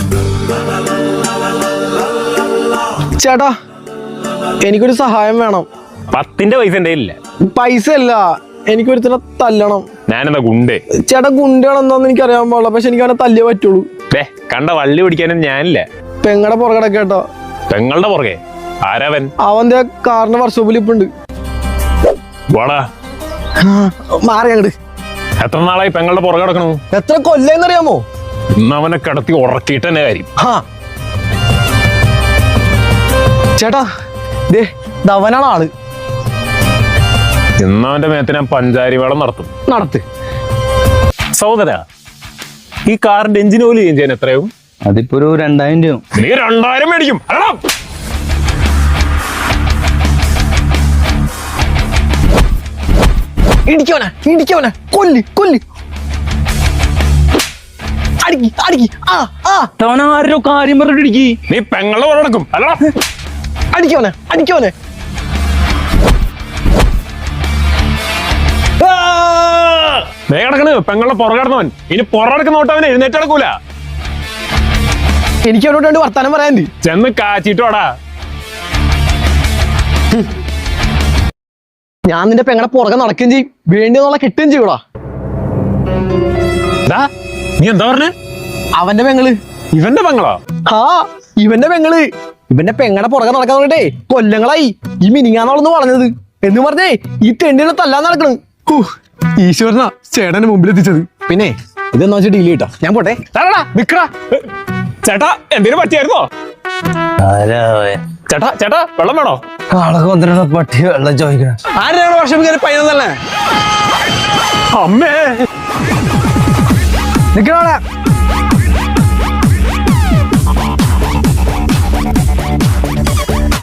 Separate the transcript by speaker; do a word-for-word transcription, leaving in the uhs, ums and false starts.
Speaker 1: ചേട്ടാ എനിക്കൊരു സഹായം വേണം.
Speaker 2: പത്തിന്റെ പൈസ എന്റെ ഇല്ല.
Speaker 1: പൈസ അല്ല, എനിക്കൊരുത്തിനെ തല്ലണം.
Speaker 2: ഞാനെന്താ ഗുണ്ടേ?
Speaker 1: ചേട്ടാ ഗുണ്ടാണെന്നൊന്നും എനിക്ക് അറിയാൻ പാടില്ല, പക്ഷെ എനിക്ക് അവനെ തല്ലിയേ പറ്റുള്ളൂ.
Speaker 2: ദേ കണ്ട വള്ളി പിടിക്കാനും ഞാനില്ല.
Speaker 1: പെങ്ങടെ പുറകെ കേട്ടോ.
Speaker 2: പെങ്ങളുടെ പുറകെ? ആരാവൻ?
Speaker 1: അവന്റെ കാറിന്റെ വർക്ക്ഷോപ്പിൽ ഇപ്പൊ ഉണ്ട്.
Speaker 2: വാടാ
Speaker 1: മാറി അങ്ങട്.
Speaker 2: എത്ര നാളായി പെങ്ങളുടെ പുറകെ കിടക്കണു?
Speaker 1: എത്ര കൊല്ലെന്നറിയാമോ?
Speaker 2: ഇന്ന് അവനെ കിടത്തി ഉറക്കിയിട്ട് തന്നെ കാര്യം.
Speaker 1: ചേട്ടാ ദേ ധവനാണ് ആള്.
Speaker 2: ഇന്ന് അവന്റെ മേത്ത് ഞാൻ പഞ്ചാരി വേളം നടത്തും.
Speaker 1: നടത്ത്.
Speaker 2: സഹോദര, ഈ കാറിന്റെ എഞ്ചിൻ ഓയിൽ ചേഞ്ച് ചെയ്യാൻ എത്രയാവും?
Speaker 3: അതിപ്പോ ഒരു രണ്ടായിരം രൂപ.
Speaker 2: നീ രണ്ടായിരം മേടിക്കും?
Speaker 1: ഇടിക്കവനെ ഇടിക്കവനെ കൊല്ലി കൊല്ലി അടിക്കി അടിക്കി. ആ ആ
Speaker 3: ആരോ കാര്യം പറഞ്ഞിടിക്കി.
Speaker 2: നീ പെങ്ങളുടെ പുറകെ നടക്കും അല്ല?
Speaker 1: അടിക്കവനെ അടിക്കവനെ.
Speaker 2: ദേ കിടക്കണ് പെങ്ങളുടെ പുറകെ കിടന്നവൻ. ഇനി പുറകിടക്കുന്ന നോട്ട് അവൻ എഴുന്നേറ്റ് നടക്കൂല.
Speaker 1: എനിക്ക് അവനോട് രണ്ട് വർത്താനം പറയാൻ.
Speaker 2: ചെന്ന് കാച്ചിട്ടോടാ.
Speaker 1: ഞാൻ നിന്റെ പെങ്ങളെ പുറകെ നടക്കുകയും ചെയ്യും, വേണ്ടിയെന്നുള്ള കിട്ടുകയും ചെയ്യൂടാ.
Speaker 2: നീ എന്താ പറഞ്ഞേ?
Speaker 1: അവന്റെ പെങ്ങള്.
Speaker 2: ഇവന്റെ പെങ്ങളോ?
Speaker 1: ആ ഇവന്റെ പെങ്ങള്. ഇവന്റെ പെങ്ങളെ പുറകെ നടക്കാൻ പറഞ്ഞിട്ടേ കൊല്ലങ്ങളായി. ഈ മിനിങ്ങാന്നോളന്ന് പറഞ്ഞത് എന്ന് പറഞ്ഞേ ഈ തെണ്ടിനെ തല്ലാൻ നടക്കണ്. ഈശ്വരനാ ചേട്ടന്റെ മുമ്പിൽ എത്തിച്ചത്. പിന്നെ ഇതെന്നാ വെച്ചാൽ ഡീൽ കിട്ടാ. ഞാൻ പോട്ടെ.
Speaker 2: നിക്കടാ ചേട്ടാ, എന്തേലും പറ്റിയായിരുന്നോ? ചേട്ടാ ചേട്ടാ വെള്ളം വേണോ?
Speaker 3: പട്ടി വെള്ളം ചോദിക്കണം.
Speaker 1: ആരാണ് വർഷം കയറി പയ്യനല്ലേ?
Speaker 2: അമ്മേ
Speaker 1: നിക്കണ